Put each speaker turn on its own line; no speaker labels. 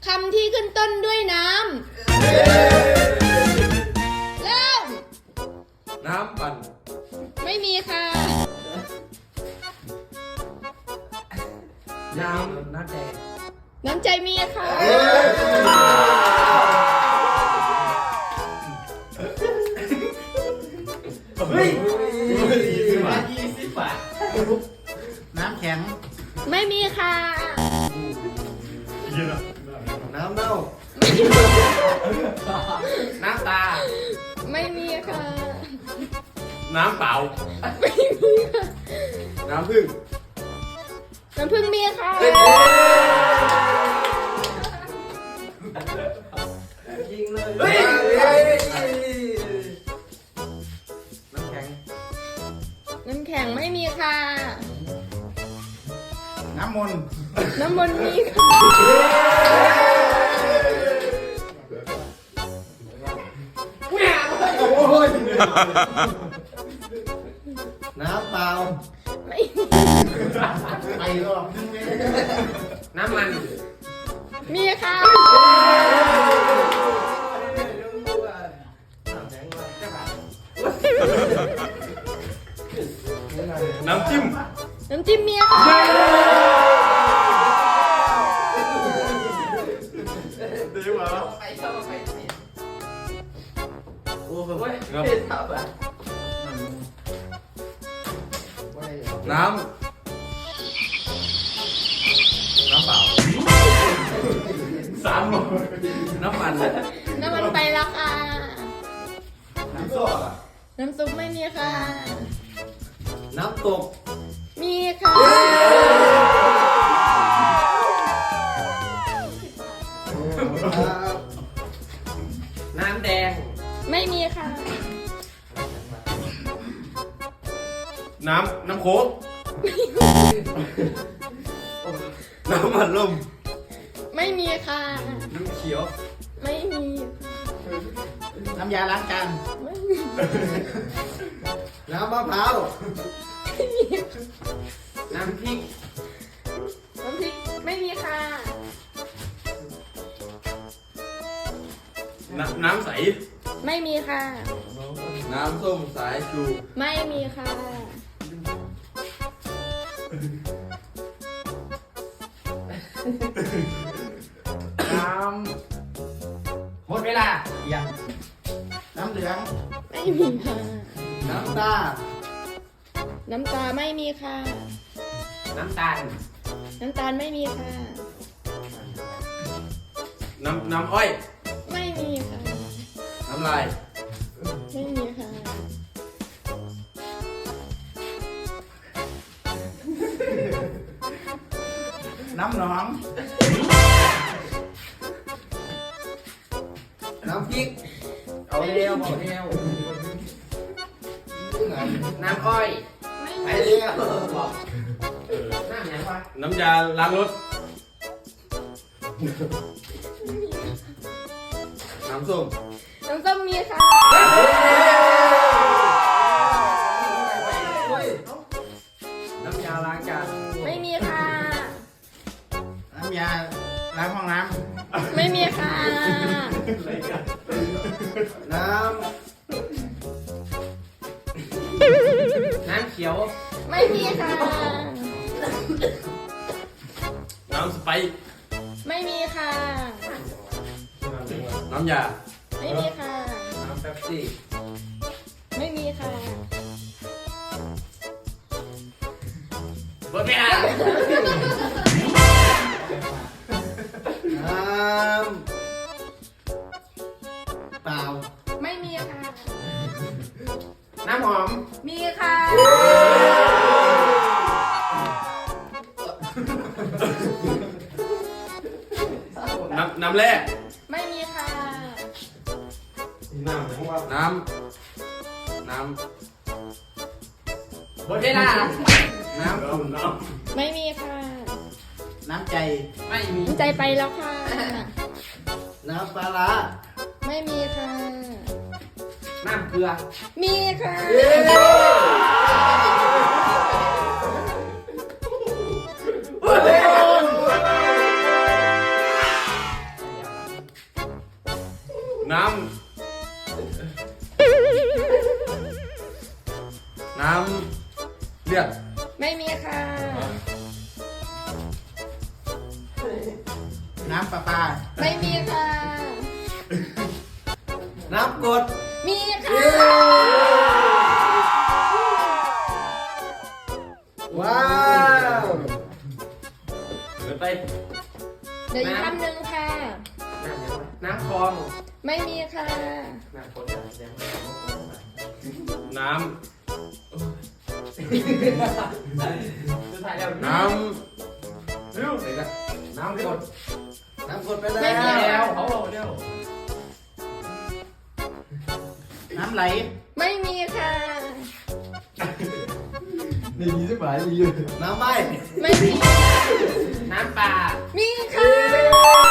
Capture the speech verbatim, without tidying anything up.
คำที่ขึ้นต้นด้วยน้ำเริ่ม
น้ำปั่น
ไม่มีค่ะ
น้ำน้ำแดง
น้ำใจมีค่ะ
เฮ้ย
ยี่สิบบาทน้ำแข็ง
ไม่มีค่ะ
น้ำเน่าน้ำตา
ไม่มีค่ะ
น้ำเปล่า
ไม่มีค่ะ
น้ำผึ้ง
น้ำผึ้งมีค่ะ
ยิงเลยเฮ้ยน้ำแข็ง
น้ำแข็งไม่มีค่ะ
น้ำมนต์
น้ำมนต์มีค่ะ
น้ำเปล่า
ไม่มี
ไปรอบนึงเลย
น้ำมัน
มีค่ะ
น้ำจิ้ม
น้ำจิ้มมีค่ะ
ดีกว่า
ไปชอบไป
โอ้โหน้
ชอบอ่ะ
ำน้ำน้ำเปล่าสามโลน้ำมัน
น้ำมันไปแล้วค่ะ
น้ำส้ม
น้ำซุปไม่มีค่ะ
น้ำตก
มีค่ะ
น้ำแดง
ไม่มีค่ะ
น้ำ น้ำโค้กน้ำมันลม
ไม่มีค่ะ
น้ำเขียว
ไม่มี
น้ำยาล้างจาน
ไม่มี
น้ำมะพร้าว
ไม่มี
น้ำพริก
น้ำพริกไม่มีค่ะ
น้ำน้ำใส
ไม่มีค่ะ
น้ำส้มสายชู
ไม่มีค่ะ
น้ำหมดเวลายังน้ำเหลือง
ไม่มีค่ะ
น้ำตา
น้ำตาไม่มีค่ะ
น้ำตาล
น้ำตาลไม่มีค่ะ
น้ำ น้ำอ้อย
ไม่มีค่ะ
น้ำลาย
ไม่มีค่ะ
น้ำหนอง
น้ำพริก เอาเร็วเอาเร็วน้ำอ้อย
ไม่
ไป
มี
เร็วบอกน้ำยังวะ
น้ำยาล้างรถ น้ำส้ม
น้ำส้มมีค่ะ
น้ำยาล้างจาน
ไม่มีค่ะ
น้ำยาล้างห้องน้
ไม่มีค่ะ
น้ำ น้ำเขียว
ไม่มีค่ะ
น้ำสไปร์
ไม่มีค่ะ
น้ำยา
ไม่มีค่ะ
น้ำเป๊ปซี่
ไม่มีค่ะ
เบอร์ไม่อ่ะน้ำเปล่า
ไม่มีค่ะ
น้ำหอม
มีค่ะ
น้ำ น้ำแร่
ไม่มีค่ะ
น้ำน้ำ น้ำ
ำหมดเวลา
น้ำอุ่นน้
ไม่มีค่ะ
น้ำใจ
ไม่มี
ใจไปแล้วค่ะ
น้ำปลาร้า
ไม่มีค่ะ
น้ำเกลือ
มีค่ะ
นน้ำ น้ำเลือด
ไม่มีค่ะ
น้ำปลาปลา
ไม่มีค่ะ
น้ำกรด
มีค่ะ
ว้าวเดินไป
เดี๋ยวอีกคำหนึ่งค่ะ
น้ำยังไงน้ำคลอง
ไม่มีค่ะ
น้ำกรดน้ำน้ำเร็วไหนกันน้ำกรดน้ำกรดไปแล้ว
ไม่มีแล้ว
เขาบอกเร็ว
น้ำไหล
ไม่มีค่ะ
นี่ยี่สิบหมายอยู่น้ำใบ
ไม่มี
น้ำปลา
มีค่ะ